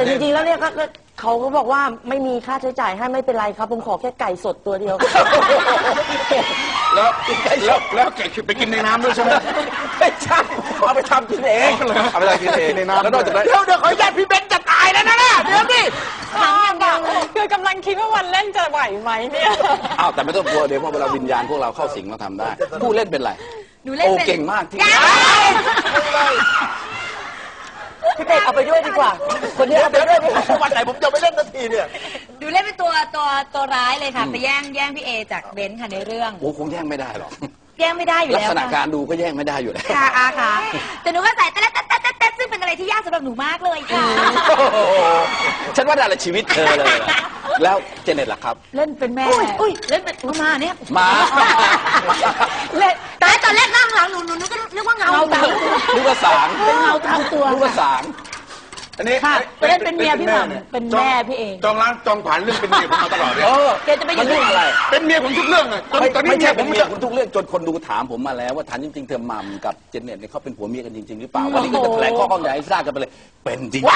แต่จริงๆแล้วเนี่ยเขาก็บอกว่าไม่มีค่าใช้จ่ายให้ไม่เป็นไรครับผมขอแค่ไก่สดตัวเดียวแล้วแกะไปกินในน้ำด้วยใช่ไหมไม่ใช่เอาไปทำกินเองเอาไปทำกินเองในน้ำแล้วนอกจากนั้นเดี๋ยวขออนุญาตพี่เบนจะตายแล้วนะเดี๋ยวดิถามอย่างเดียวคือกำลังคิดว่าวันเล่นจะไหวไหมเนี่ยอ้าวแต่ไม่ต้องกลัวเดี๋ยวพอเวลาวิญญาณพวกเราเข้าสิงเราทำได้ผู้เล่นเป็นไรหนูเล่นเป็นเก่งมากที่พี่เป็ดเอาไปด้วยดีกว่าคนนี้เอาไปด้วยวันไหนผมจะไม่เล่นนาทีเนี่ยดูเล่นเป็นตัวร้ายเลยค่ะไปแย่งพี่เอจากเบนซ์ค่ะในเรื่องโอ้คงแย่งไม่ได้หรอกแย่งไม่ได้อยู่แล้วลักษณะการดูก็แย่งไม่ได้อยู่แล้วค่ะแต่หนูก็ใส่แต่ซึ่งเป็นอะไรที่ยากสำหรับหนูมากเลยค่ะฉันว่าได้ละชีวิตเธอเลยแล้วเจเน็ตล่ะครับเล่นเป็นแม่เล่นเป็นมาเนี่ยมาเล่นแต่ตอนแรกนั่งหลังหนูก็นึกว่าเงาตามนึกว่าสางเป็นเงาตามตัวนึกว่าสางอันนี้ค่ะเล่นเป็นเมียพี่หม่ำเป็นแม่พี่เองจองผ่านเรื่องเป็นเมียผมมาตลอดเลยแกจะไปอยู่ที่อะไรเป็นเมียผมทุกเรื่องเลยตอนนี้เมียผมคุณทุกเรื่องจนคนดูถามผมมาแล้วว่าถามจริงๆเธอหม่ำกับเจเน็ตเนี่ยเขาเป็นผัวเมียกันจริงๆหรือเปล่าวันนี้ก็จะแถลงข้อข้องใหญ่ให้ทราบกันไปเลยเป็นจริง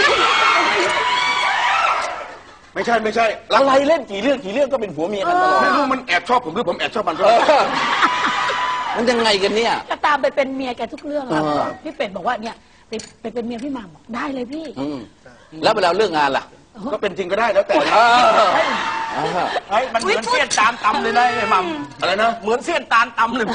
ไม่ใช่อะไรเล่นกี่เรื่องก็เป็นผัวเมียกันตลอดไม่รู้มันแอบชอบผมหรือผมแอบชอบมันมันยังไงกันเนี่ยก็ตามไปเป็นเมียแกทุกเรื่องแล้วพี่เป็ดบอกว่าเนี่ยไปเป็นเมียพี่หม่ำบอกได้เลยพี่แล้วเวลาเลิกงานล่ะก็เป็นจริงก็ได้แล้วแต่มันเหมือนเสี้ยนตาลตำเลยนะไอ้หม่ำอะไรนะเหมือนเสี้ยนตาลตำเลย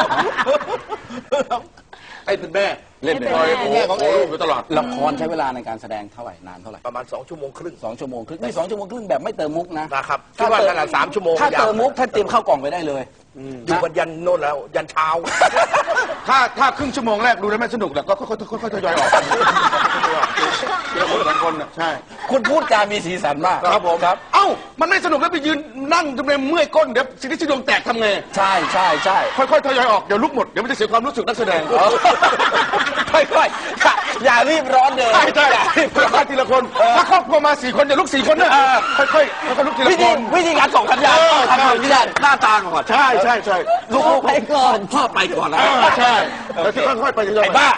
ไอ้เป็นแม่เล่นเป็นแม่ของลูกอยู่ตลอดละครใช้เวลาในการแสดงเท่าไหร่นานเท่าไหร่ประมาณ2 ชั่วโมงครึ่ง 2 ชั่วโมงครึ่งนี่2 ชั่วโมงครึ่งแบบไม่เติมมุกนะครับคิดว่าขนาด3 ชั่วโมงถ้าเติมมุกท่านเตรียมเข้ากล่องไปได้เลยดูกันยันโน่นแล้วยันเช้าถ้าครึ่งชั่วโมงแรกดูแล้วไม่สนุกแล้วก็ค่อยทยอยออกเดี๋ยวคน2 คนใช่คุณพูดจามีสีสันมากครับผมครับเอ้ามันไม่สนุกแล้วไปยืนนั่งจนเป็นเมื่อยก้นเดี๋ยวสิ่งที่ดวงแตกทำไงใช่ค่อยทยอยออกเดี๋ยวลุกหมดเดี๋ยวมันจะเสียความรู้สึกนักแสดงค่อยๆอย่ารีบร้อนเลยใช่ทีละคนถ้าครอบครัวมา4 คนอย่าลุก4 คนนะค่อยลุกทีละคนวิธีการส่งสัญญาณหน้าตาก่อนใช่ลูกไปก่อนพ่อไปก่อนแล้วใช่แล้วที่ค่อยๆไปไอ้บ้า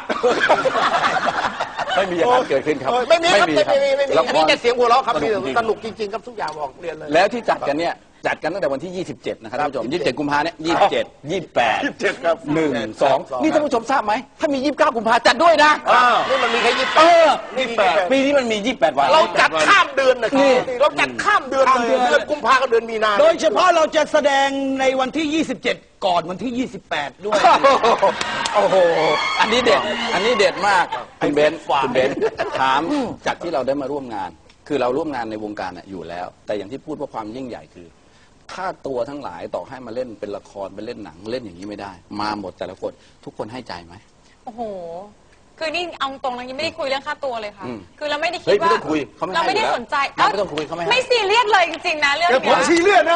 ไม่มีอย่างนั้นเกิดขึ้นครับไม่มีนี่จะเสียงหัวเราะครับสนุกจริงๆครับทุกอย่างบอกเรียนเลยแล้วที่จัดกันเนี่ยจัดกันตั้งแต่วันที่27นะครับท่านผู้ชม27 กุมภาเนี่ย27 28 ครับ 1 2นี่ท่านผู้ชมทราบไหมถ้ามี29 กุมภาจัดด้วยนะนี่มันมีแค่ 28ปีนี้มันมี28 วันเราจัดข้ามเดือนนะเราจัดข้ามเดือนเลยเดือนกุมภากับเดือนมีนาโดยเฉพาะเราจะแสดงในวันที่27ก่อนวันที่28ด้วยโอ้โหอันนี้เด็ดมากคุณเบนถามจากที่เราได้มาร่วมงานคือเราร่วมงานในวงการอยู่แล้วแต่อย่างที่พูดว่าความยิ่งใหญ่คือถ้าตัวทั้งหลายต่อให้มาเล่นเป็นละครไปเล่นหนังเล่นอย่างนี้ไม่ได้มาหมดแต่ละคนทุกคนให้ใจไหมโอ้โหคือนี่เอาตรงเรายังไม่ได้คุยเรื่องค่าตัวเลยค่ะคือเราไม่ได้คิดว่าเราไม่ได้สนใจไม่ต้องคุยเขาไม่ซีเรียสเลยจริงๆนะเรื่องนี้ผมซีเรียสนะ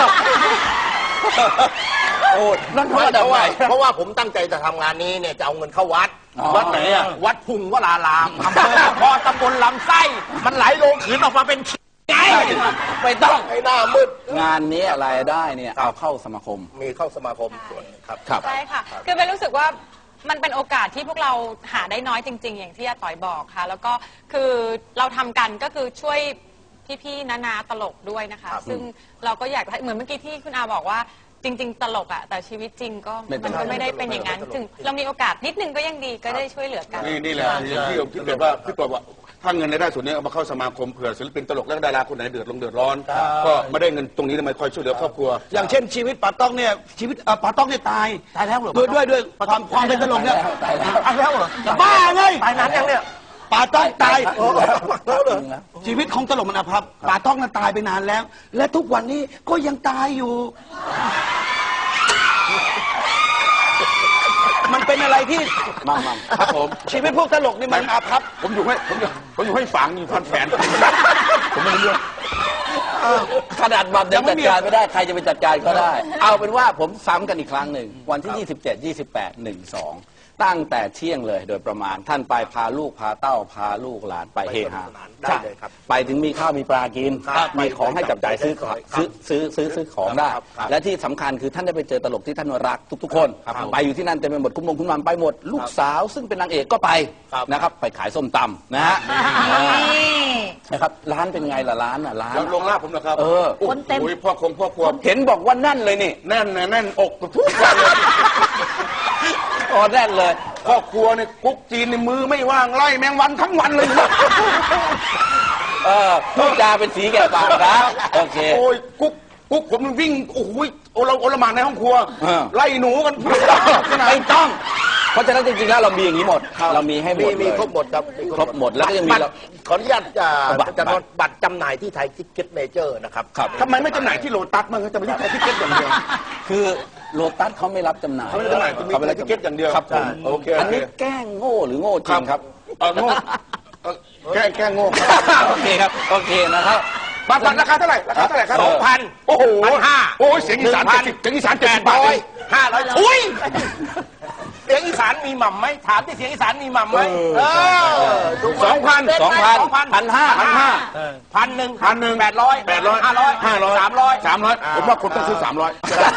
โอ้นั่นเพราะว่าผมตั้งใจจะทำงานนี้เนี่ยจะเอาเงินเข้าวัดไหนอ่ะวัดพุงวรารามพอตำบลลำไส้มันไหลลงขืนออกมาเป็นไม่ต้องให้หน้ามืดงานนี้รายได้เนี่ยเอาเข้าสมาคมมีเข้าสมาคมส่วนครับใช่ค่ะคือเป็นรู้สึกว่ามันเป็นโอกาสที่พวกเราหาได้น้อยจริงๆอย่างที่อาต่อยบอกค่ะแล้วก็คือเราทำกันก็คือช่วยพี่ๆนาตลกด้วยนะคะซึ่งเราก็อยากเหมือนเมื่อกี้ที่คุณอาบอกว่าจริงๆตลกอะแต่ชีวิตจริงก็มันก็ไม่ได้เป็นอย่างนั้นถึงเรามีโอกาสนิดนึงก็ยังดีก็ได้ช่วยเหลือกันนี่แหละพี่บอกว่าถ้าเงินในได้ส่วนนี้เอามาเข้าสมาคมเผื่อศิลปินตลกและดาราคนไหนเดือดร้อนก็ไม่ได้เงินตรงนี้มาคอยช่วยเหลือครอบครัวอย่างเช่นชีวิตป๋าต้องเนี่ยชีวิตป๋าต้องเนี่ยตายแล้วเหรอด้วยความเป็นตลกเนี่ยตายแล้วเหรอบ้าไงตายนานยังเนี่ยป๋าต้องตายชีวิตของตลกมันอภัพป๋าต้องนั้นตายไปนานแล้วและทุกวันนี้ก็ยังตายอยู่มันเป็นอะไรที่มั่งครับผมชีวิตพวกตลกนี่มันอาภัพผมอยู่ให้ฝังอยู่พันแฝนผมไม่รู้เรื่องขนาดบัตรยังจัดการไม่ได้ใครจะไปจัดการก็ได้เอาเป็นว่าผมซ้ำกันอีกครั้งหนึ่งวันที่27 28 1 2ตั้งแต่เที่ยงเลยโดยประมาณท่านไปพาลูกพาเต้าพาลูกหลานไปเฮฮาได้เลยครับไปถึงมีข้าวมีปลากินมีของให้จับจ่ายซื้อของได้และที่สำคัญคือท่านได้ไปเจอตลกที่ท่านรักทุกๆคนไปอยู่ที่นั่นเต็มไปหมดคุณมัมไปหมดลูกสาวซึ่งเป็นนางเอกก็ไปนะครับไปขายส้มตำนะฮะนะครับร้านเป็นไงล่ะร้านอ่ะร้านแล้วลงลาบผมเหรอครับเออคนเต็มโอ้ยพ่อครัวเห็นบอกว่าแน่นเลยนี่แน่นนะแน่นอกทุกวันเลยอ๋อแน่นเลยพ่อครัวเนี่ยกุ๊กจีนในมือไม่ว่างไล่แมงวันทั้งวันเลยพูดจาเป็นสีแก่ปากนะโอเคโอ้ยกุ๊กผมมันวิ่งโอ้โหโอลหม่านในห้องครัวเออไล่หนูกันไม่ต้อง เพราะฉะนั้นจริงๆแล้วเรามีอย่างนี้หมด เรามีให้หมดเลยมีครบหมดครับครบหมดแล้วก็ยังมีบัตรเราขออนุญาตบัตรจะนอนบัตรจำหน่ายที่ไทยทิกเก็ตเมเจอร์นะครับครับทำไมไม่จำหน่ายที่โลตัสมั้งครับจะไปที่ไทยทิเก็ตอย่างเดียวคือโลตัสเขาไม่รับจำหน่ายเขาไม่รับจำหน่ายมีขไม่รับทิเก็ตอย่างเดียวครับผมโอเคอันนี้แกล้งโง่หรือโง่จริงครับโง่แกล้งโง่โอเคครับโอเคนะครับบัตรราคาเท่าไหร่ครับ 2,000 โอ้โห 1,500 โอ้ยเสียงอีสาน70เสียงอีสาน70 บาท 500อุ้ยเสียงอีสานมีหม่ำไหมถามที่เสียงอีสานมีหม่ำไหมถูกไหม 2,000 1,000 800 500 300 ผมว่าคนต้องซื้อ300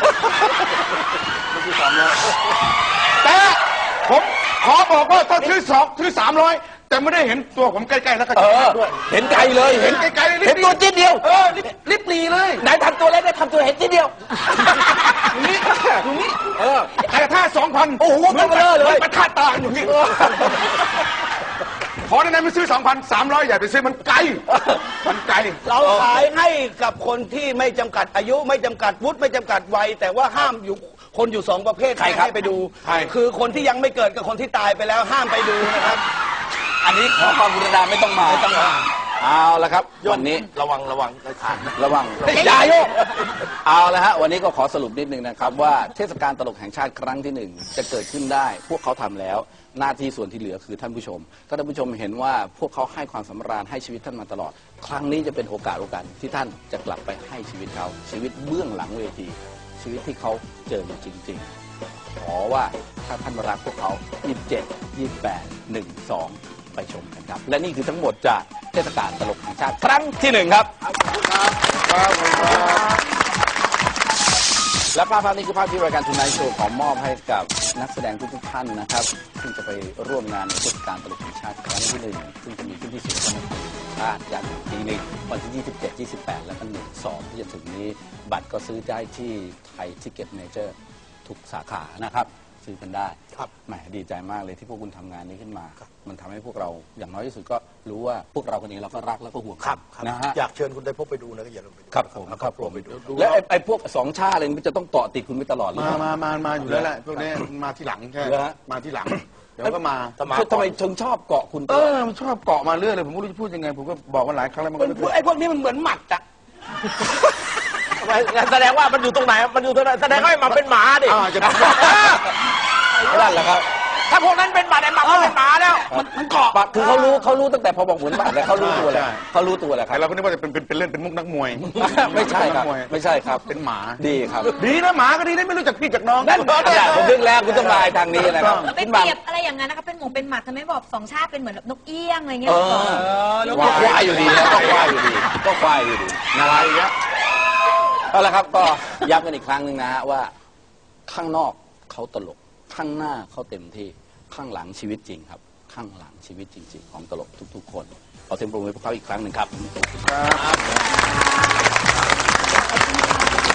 แต่ผมขอบอกว่าถ้าซื้อ300แต่ไม่ได้เห็นตัวผมใกล้ๆแล้วก็เอจะอด้วยเห็นไกลเลยเห็นไกลๆเลยเห็นตัวจิ๊ดเดียวลิบลีเลยไหนทำตัวเล็กได้ทำตัวเห็นจิ๊ดเดียวอย่างนี้อย่างนี้เออแต่ถ้า 2,000 โอ้โหเหมือนเบลอเลยมันคาดตากันอย่างนี้ขอในนั้นไม่ซื้อ 2,300อย่าไปซื้อมันไกลมันไกลเราขายให้กับคนที่ไม่จำกัดอายุไม่จำกัดวุฒิไม่จำกัดวัยแต่ว่าห้ามอยู่คนอยู่2ประเภทใครครับให้ไปดูใครคือคนที่ยังไม่เกิดกับคนที่ตายไปแล้วห้ามไปดูนะครับอันนี้ขอความกรุณาไม่ต้องมาเอาละครับวันนี้ระวังเลยทานระวังอย่าโยกเอาละฮะวันนี้ก็ขอสรุปนิดนึงนะครับว่าเทศกาลตลกแห่งชาติครั้งที่ 1จะเกิดขึ้นได้ พวกเขาทำแล้วหน้าที่ส่วนที่เหลือคือท่านผู้ชมถ้าท่านผู้ชมเห็นว่าพวกเขาให้ความสำราญให้ชีวิตท่านมาตลอด ครั้งนี้จะเป็นโอกาสที่ท่านจะกลับไปให้ชีวิตเขาชีวิตเบื้องหลังเวทีชีวิตที่เขาเจอจริงๆขอว่าถ้าท่านรักพวกเขา27 28 12 ไปชมกันครับและนี่คือทั้งหมดจากเทศกาลตลกแห่งชาติครั้งที่ 1ครับและภาพนี้คือภาพที่รายการทูนายโชว์ขอมอบให้กับนักแสดงทุกท่านนะครับซึ่งจะไปร่วมงานในเทศกาลตลกแห่งชาติครั้งที่ 1ซึ่งจะมีขึ้นที่ศูนย์การแห่งชาติอย่างปีหนึ่งวันที่ 27 28 และก็1 2ที่จะถึงนี้บัตรก็ซื้อได้ที่ไทยทิกเก็ตเมเจอร์ทุกสาขานะครับซื้อกันได้แหมดีใจมากเลยที่พวกคุณทำงานนี้ขึ้นมามันทำให้พวกเราอย่างน้อยที่สุดก็รู้ว่าพวกเราคนนี้เราก็รักแล้วก็ห่วงนะฮะอยากเชิญคุณได้พบไปดูนะก็อย่าลืมไปดูครับผมครอบครัวไปดูและไอ้พวก2 ชาติอะไรมันจะต้องเกาะติดคุณไปตลอดเลยมาอยู่แล้วแหละพวกนี้มาที่หลังแค่เหรอฮะมาที่หลังเดี๋ยวก็มาทำไมถึงชอบเกาะคุณตเอลอดอมันชอบเกาะมาเรื่อยเลยผมไม่รู้จะพูดยังไงผมก็บอกมันหลายครั้งแล้วมันก็ไม่ไอ้พวกนี้มันเหมือนหมัดอะแสดงว่ามันอยู่ตรงไหนมันอยู่ตรงไหนแสดงว่าไอ้หมาเป็นหมาดิจะนั่นแหละครับถ้าพวกนั้นเป็นหมาไอ้หมาก็เป็นหมาแล้วมันเกาะปะคือเขารู้ตั้งแต่พอบอกเหมือนบาทแล้วเขารู้ตัวแล้วเขารู้ตัวแล้วครัแต่บเราก็นึกว่าจะเป็นเล่นเป็นมุกนักมวยไม่ใช่ครับนักมวยไม่ใช่ครับเป็นหมาดีครับดีนะหมาก็ดีนะไม่รู้จักพี่จากน้องนั่นอย่าผมนึกแล้วคุณต้องมาทางนี้นะครับไปเปรียบอะไรอย่างนั้นนะคะเป็นหมูเป็นหมัดทำไมบอกสองชาติเป็นเหมือนแบบนกเอี้ยงอะไรเงี้ยก็ควายอยู่ดีนะก็ควายอยู่ดีก็ควายอยู่ดีนะครับเอาละครับก็ย้ำกันอีกครั้งหนึ่งนะฮะว่าข้างนอกเขาตลกข้างหน้าเขาเต็มที่ข้างหลังชีวิตจริงครับข้างหลังชีวิตจริงๆของตลกทุกๆคนขอเสียงปรบมือให้พวกเขาอีกครั้งหนึ่งครับ